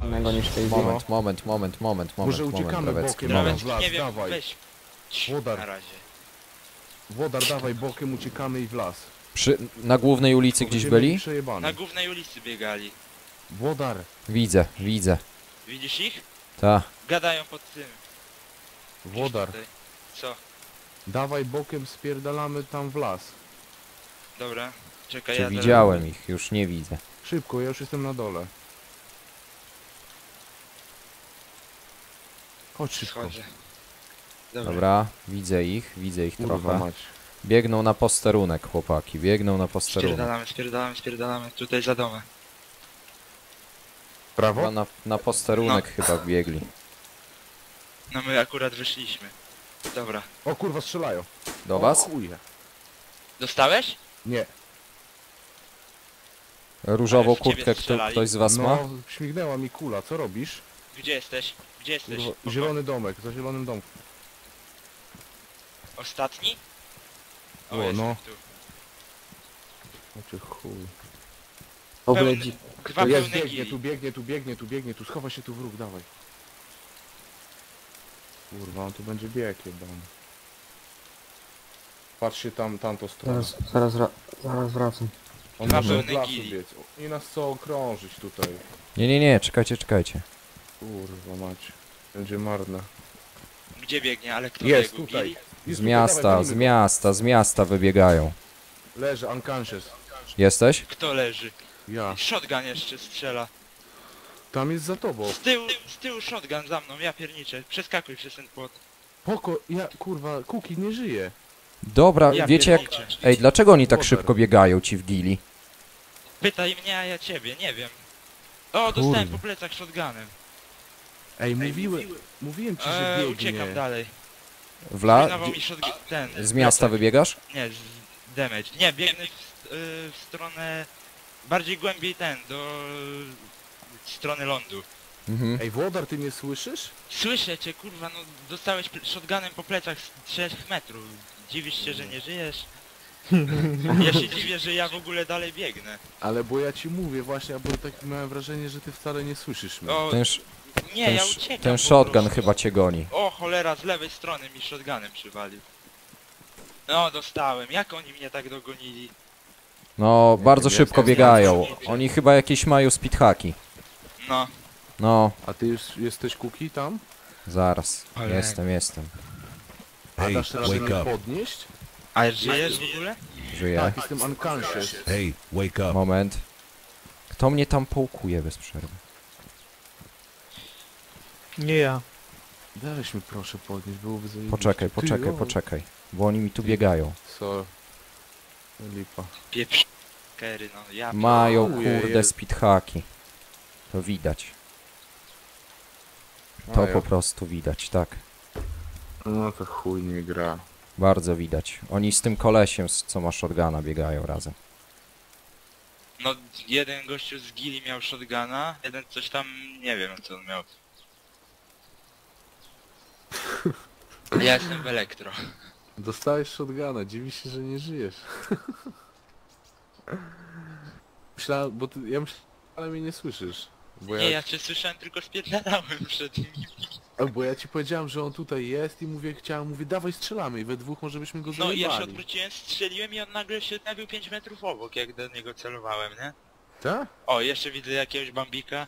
innego niż tej Moment. Może uciekamy Brawecki, bokiem, moment. w las, Nie wiem, dawaj. weź. Włodar. Na razie. Włodar, dawaj bokiem, uciekamy i w las. Na głównej ulicy gdzieś Będziemy byli? przejebane. Na głównej ulicy biegali. Włodar. Widzę. Widzisz ich? Ta. Gadają pod tym. Włodar. Tutaj. Co? Dawaj bokiem, spierdalamy tam w las. Dobra. Czekaj, Czy ja widziałem ich? Już nie widzę. Szybko, ja już jestem na dole. Chodź szybko. Schodzę. Dobra. Dobra, widzę ich Kurwa trochę. mać. Biegną na posterunek, chłopaki, biegną na posterunek. Spierdalamy. Tutaj za domem. Prawo? Chyba na posterunek chyba biegli. No my akurat wyszliśmy. Dobra. O kurwa, strzelają. Do O was? chuje. Dostałeś? Nie. Różową Ale w ciebie kurtkę strzelali. ktoś z was ma? No, śmignęła mi kula, co robisz? Gdzie jesteś? Kurwa, zielony domek, za zielonym domkiem. Ostatni? O, jestem no. tu. Znaczy chuj. W ogóle Pełny- dzi... Dwa Jest, pełne biegnie, tu schowa się tu wróg, dawaj. Kurwa, on tu będzie bieg jebany. Patrzcie tamtą stronę. Zaraz wracam. On Dwa może od pełne lasu gili. biec. I nas co okrążyć tutaj. Nie, czekajcie. Kurwa mać. Będzie marne. Gdzie biegnie? Ale kto Jest biegł? tutaj. Gili? Jest Z tutaj, dawaj, gonimy z miasta wybiegają. go. Leży, unconscious. Jesteś? Kto leży? Ja. Shotgun jeszcze strzela. Tam jest za tobą. Z tyłu shotgun za mną, ja pierniczę. Przeskakuj przez ten płot. Kurwa, Kuki nie żyje. Dobra, Ja wiecie jak... pierniczę. Ej, dlaczego oni tak Water. szybko biegają ci w gili? Pytaj mnie, a ja ciebie, nie wiem. O, dostałem po plecach shotgunem. Ej, mówiłem ci, że biegnie. Uciekam dalej. Wla... Mi shotgun, Z miasta plecak. wybiegasz? Nie, z damage. Nie, biegnę w stronę... Bardziej głębiej do strony lądu. Mhm. Ej, Włodar, ty mnie słyszysz? Słyszę cię, kurwa, no dostałeś shotgunem po plecach z 3 metrów. Dziwisz się, że nie żyjesz? Ja się dziwię, że ja w ogóle dalej biegnę. Ale bo ja ci mówię właśnie, bo tak miałem wrażenie, że ty wcale nie słyszysz mnie. O, nie, ja uciekam Ten po shotgun prostu. chyba cię goni. O, cholera, z lewej strony mi shotgunem przywalił. No, dostałem. Jak oni mnie tak dogonili? No, bardzo wiem, szybko ja biegają. Oni chyba jakieś mają speedhacki. No, No, A ty już jesteś Kuki tam? zaraz. Ale- Jestem. A Hey, dasz radę wake mnie up. podnieść? a żyjesz w ogóle? Żyję. Tak, jestem unconscious. Hey, wake up. Moment. Kto mnie tam połkuje bez przerwy? Nie ja. Weź mi proszę podnieść, byłoby zajebiście. Poczekaj. Bo oni mi tu biegają. Co? Lipa. Pieprz... Kery, no, ja... Mają Ojej. kurde speedhacki. To widać. To po prostu widać, tak. No to chuj nie gra. Bardzo widać. Oni z tym kolesiem, co ma shotguna, biegają razem. No, jeden gościu z Gili miał shotguna, jeden coś tam, nie wiem co on miał. Ja jestem w elektro. Dostałeś shotguna, dziwi się, że nie żyjesz. Myślałem, bo ja myślałem, ale mnie nie słyszysz. Bo Nie, ja cię słyszałem, tylko spierdalałem przed nimi. Bo ja ci powiedziałem, że on tutaj jest i mówię, mówię, dawaj strzelamy i we dwóch może byśmy go No zajebali. i ja się odwróciłem, strzeliłem i on nagle się nabił 5 metrów obok, jak do niego celowałem, nie? Tak? O, jeszcze widzę jakiegoś bambika.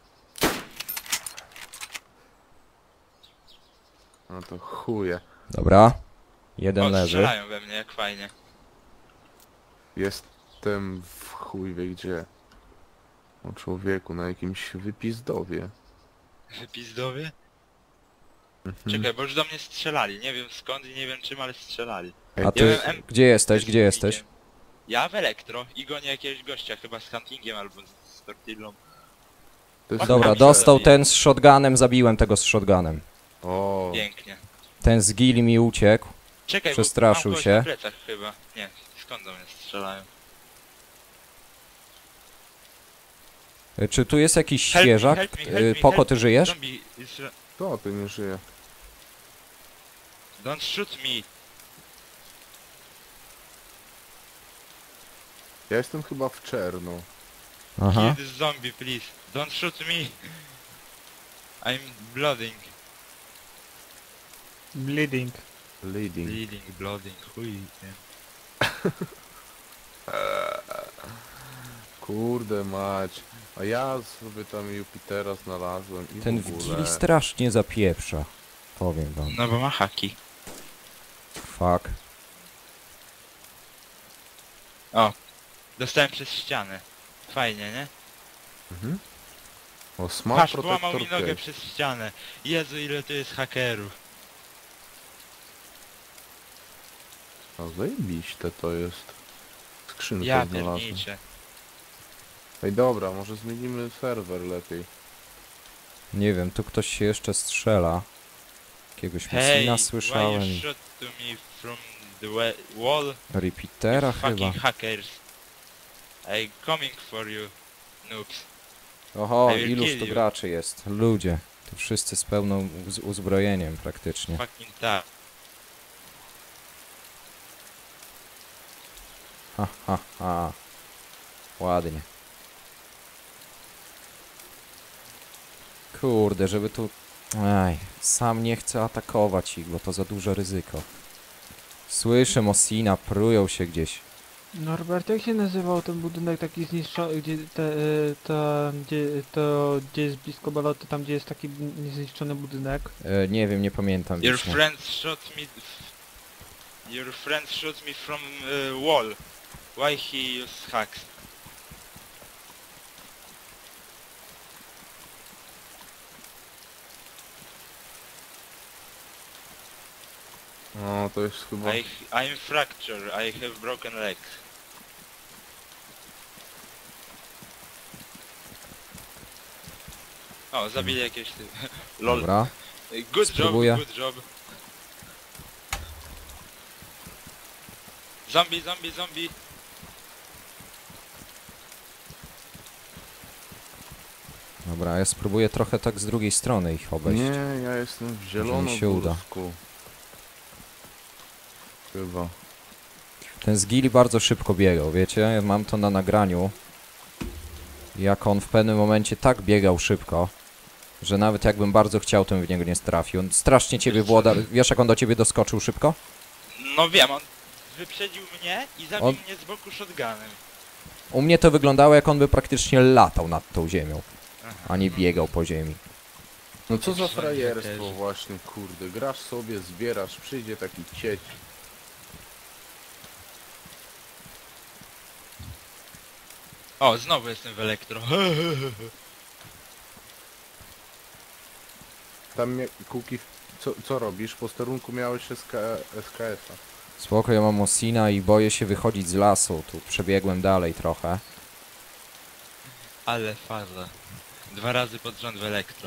No to chuje. Dobra. Jeden O, leży. strzelają we mnie, jak fajnie. Jestem w chuj wie gdzie. O człowieku, na jakimś wypizdowie. Wypizdowie? Mhm. Czekaj, bo już do mnie strzelali, nie wiem skąd i nie wiem czym, ale strzelali. A ty, Ja byłem gdzie jesteś? Ja w elektro i gonię jakiegoś gościa, chyba z huntingiem albo z tortillą. To jest Dobra, Tam dostał się ten z shotgunem, zabiłem tego z shotgunem. O, Pięknie. Ten z gili mi uciekł. Czekaj, Przestraszył bo mam kogoś się. na plecach chyba. Nie, skąd do mnie strzelają? Czy tu jest jakiś Help me, świeżak? help me, help me, Poko, help ty me. żyjesz? Zombie is... to ty nie żyje. Don't shoot me. Ja jestem chyba w czerno. Aha. Kill this zombie, please. Don't shoot me. I'm blooding. Bleeding. Leading. Bleeding, blooding, chuj. Nie. Kurde mać. A ja sobie tam Jupitera znalazłem i Ten w ogóle... Wigili strasznie zapieprza. Powiem wam. No bo ma haki. Fuck. Dostałem przez ścianę. Fajnie, nie? Mhm. O, Smart Patrz, połamał Protector mi nogę Case. przez ścianę. Jezu, ile tu jest hakerów. A zajebiście to jest. Skrzynkę Ja znalazłem. pierniczę. Ej dobra, może zmienimy serwer lepiej. Nie wiem, tu ktoś się jeszcze strzela. Jakiegoś Hey, Messina why słyszałem. you shot to me from the wall? Repeatera You chyba. fucking hackers. I coming for you, noobs. Oho, I will iluż kill tu you. graczy jest. Ludzie. Tu wszyscy z pełną uzbrojeniem praktycznie. Fucking tak. Ha, ha, ha. Ładnie. Kurde, żeby tu... Aj, sam nie chcę atakować ich, bo to za duże ryzyko. Słyszę Mosina, prują się gdzieś. Norbert, jak się nazywał ten budynek taki zniszczony, gdzie gdzie jest blisko baloty, tam gdzie jest taki niezniszczony budynek? Nie wiem, nie pamiętam. Your wiecznie. friends shot me. Your friends shot me from wall. Why he use hacks? No to jest chyba... I'm fractured. I have broken legs. O, zabili jakieś... Lol. Dobra. Good Spróbuję. job, good job. Zombie, zombie, zombie. Dobra, ja spróbuję trochę tak z drugiej strony ich obejść. Nie, ja jestem w mi się uda. zielonogórsku. Chyba. Ten z Gili bardzo szybko biegał, wiecie? Mam to na nagraniu. Jak on w pewnym momencie tak biegał szybko, że nawet jakbym bardzo chciał, to bym w niego nie trafił. On strasznie ciebie włoda... Wiesz, jak on do ciebie doskoczył szybko? No wiem, on wyprzedził mnie i zabił On- mnie z boku shotgunem. U mnie to wyglądało, jak on by praktycznie latał nad tą ziemią, Aha. a nie biegał po ziemi. No co za Jakiś frajerstwo hakerzy. właśnie, kurde. Grasz sobie, zbierasz, przyjdzie taki cieć. O, znowu jestem w elektro. Tam Kuki, co robisz? W posterunku miałeś SKS-a. Spoko, ja mam Mosina i boję się wychodzić z lasu. Tu przebiegłem dalej trochę. Ale faza. 2 razy pod rząd w elektro.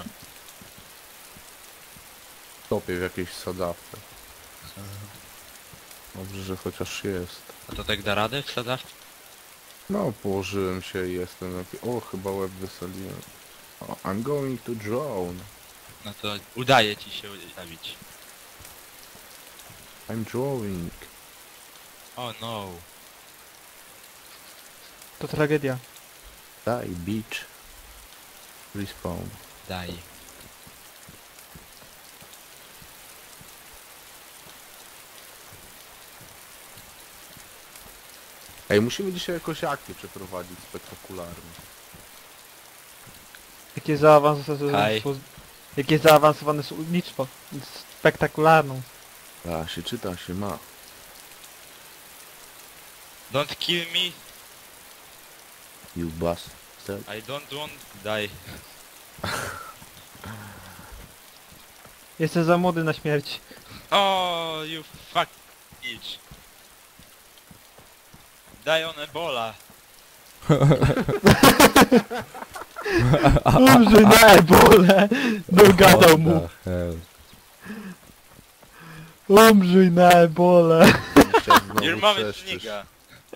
Topię w jakiejś sadawce. Dobrze, że chociaż jest. A to tak da radę w sadawce? No, położyłem się i jestem o, chyba łeb wysoliłem. O, I'm going to drone. No to udaje ci się zabić. I'm drawing. Oh no. To tragedia. Die, beach. Respawn. Daj. Ej, musimy dzisiaj jakoś akcję przeprowadzić spektakularnie. Jakie zaawansowane, Haj. jakie zaawansowane słownictwo. Spektakularną. Da się, czyta się, ma. Don't kill me. You bastard. I don't want die. Jestem za młody na śmierć. Oh, you fuck bitch. Die on Ebola. Umrzyj na ebole! Dogadał mu. What the hell? Umrzyj na ebole! Dzisiaj znowu Your mom is trzeszczysz. nigga.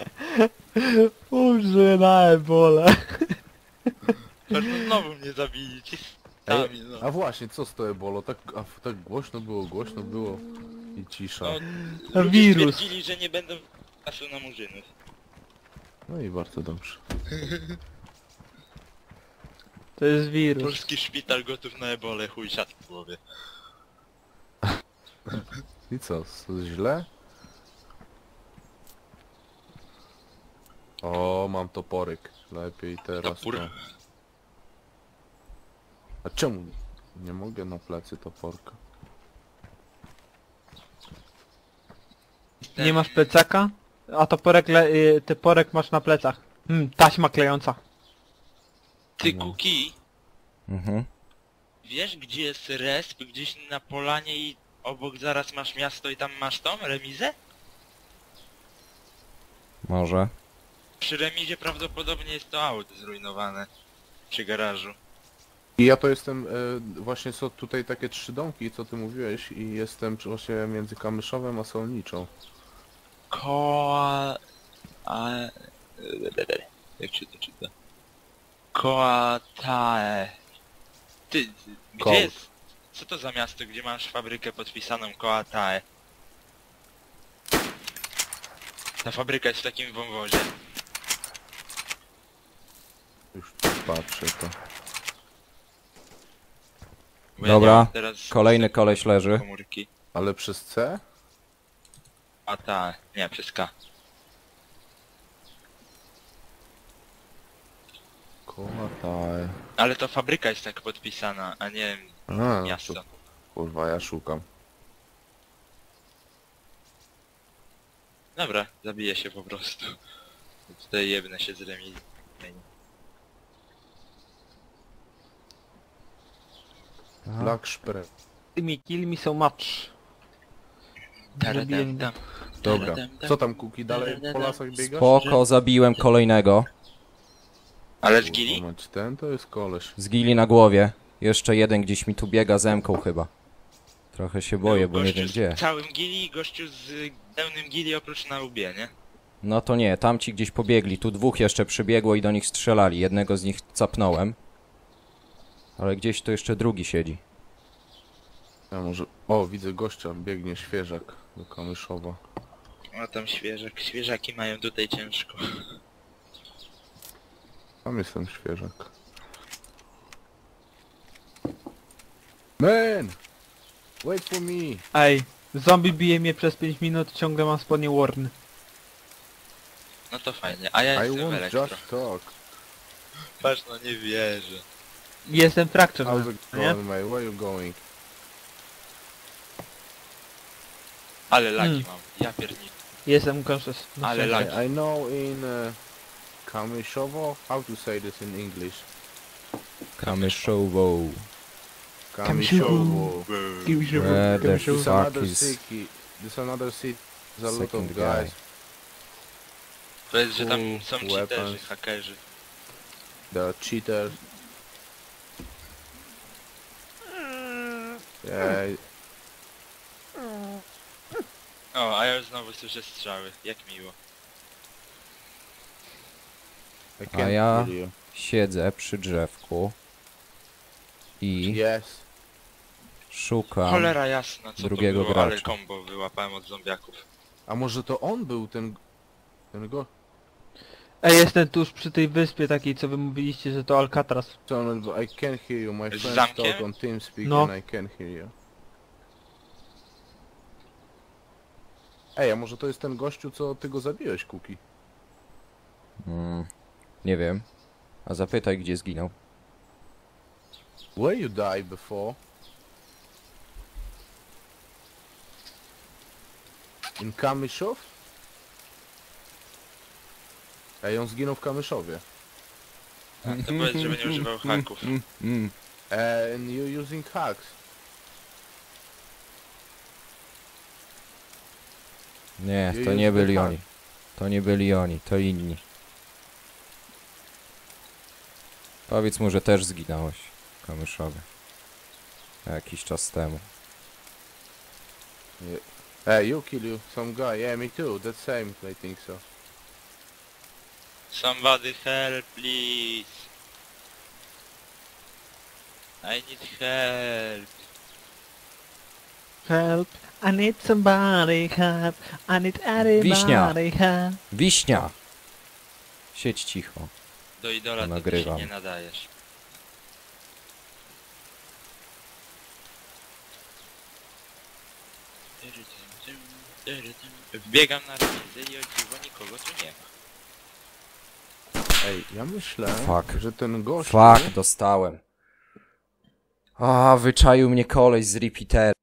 Umrzyj na ebole! Pewno znowu mnie zabili. Ci sami, no. A właśnie, co z to ebolo? Tak głośno było i cisza. No, A ludzie wirus. stwierdzili, że nie będą czasu na murzynów. No i bardzo dobrze. To jest wirus. Polski szpital gotów na ebolę, chuj siat w głowie. I co, źle? O, mam toporek. Lepiej teraz Topór? to. A czemu nie mogę na plecy toporka? Nie masz plecaka? A toporek masz na plecach. Taśma klejąca. Ty Kuki, Mhm. wiesz gdzie jest resp? Gdzieś na polanie i obok zaraz masz miasto i tam masz tą remizę? Może. Przy remizie prawdopodobnie jest to auto zrujnowane. Przy garażu. I ja to jestem, właśnie są tutaj takie 3 domki, co ty mówiłeś, i jestem właśnie między Kamyszowem a Solniczą. Koa... Jak się to czyta? Koatae. Ty, gdzie Kołd. jest? Co to za miasto, gdzie masz fabrykę podpisaną Koatae? Ta fabryka jest w takim wąwozie. Już tu patrzę to. Bo ja Dobra, nie mam teraz Kolejny koleś leży. komórki. Ale przez C? Koatae. Nie, przez K. Kołataj. Ale to fabryka jest tak podpisana, a nie A, miasto. to, kurwa, ja szukam. Dobra, zabiję się po prostu. Tutaj jebnę się z remizy. Black Spray. Kill me so much. Zabiłem go. Dobra. Co tam, Kuki, dalej po lasach biegasz? Spoko, zabiłem kolejnego. Ale z Kurwa gili? mać, ten to jest koleś. Z gili na głowie. Jeszcze jeden gdzieś mi tu biega zemką chyba. Trochę się boję, bo nie Gościu wiem z gdzie. całym gili i gościu z pełnym gili oprócz na łbie, nie? No to nie, tamci gdzieś pobiegli. Tu 2 jeszcze przybiegło i do nich strzelali. Jednego z nich capnąłem. Ale gdzieś tu jeszcze drugi siedzi. Ja może... O, widzę gościa, biegnie świeżak do Kamyszowa. O tam świeżak, świeżaki mają tutaj ciężko. Tam jestem świeżak. Man! Wait for me! Ej, zombie bije mnie przez 5 minut, ciągle mam spodnie Warn. No to fajnie, a ja I jestem w won't elektro. just talk. Patrz, no nie wierzę. Jestem Fracture, How's it nie? going, mate? Where you going? Ale lagi mam, ja piernik. Jestem conscious. Ale lag. I know in Kamyszowo, how to say this in English? Kamyszowo. Kamyszowo. Where the This fuck another is... city. This another city. There's a lot Second of guy. guys. Powiedz, że tam Full są cheaterzy, weapons. hakerzy. There are cheaters. Yeah, O, a ja już znowu słyszę strzały, jak miło. I can't ja- kill you. Siedzę przy drzewku. I Yes. szukam... Cholera jasna, co drugiego to było, ale gracza. combo wyłapałem od zombiaków. A może to on był ten go... Ej, jestem tuż przy tej wyspie takiej, co wy mówiliście, że to Alcatraz. I can't hear you. My Z friends zamkiem? talk on TeamSpeak No. and I can't hear you. Ej, a może to jest ten gościu, co ty go zabiłeś, Kuki? Nie wiem. A zapytaj, gdzie zginął. Where you died before? In Kamyszów? Ej, on zginął w Kamyszowie. To powiedz, żeby nie używał haków. And you using hacks. Nie, You to use nie the byli hack. oni. To nie byli oni, to inni. Powiedz mu, że też zginąłeś w Kamyszowie. Jakiś czas temu. Hey, you kill you some guy. Yeah, me too. That same, I think so. Somebody help, please. I need help. Help, I need somebody help, I need everybody Wiśnia. help. Wiśnia! Siedź cicho. Do idola to ty się Nagrywam. nie nadajesz. Wbiegam na remisę i o dziwo nikogo tu nie ma. Ej, ja myślę, Fuck. że ten gość... Fuck, dostałem. A, wyczaił mnie koleś z repeater.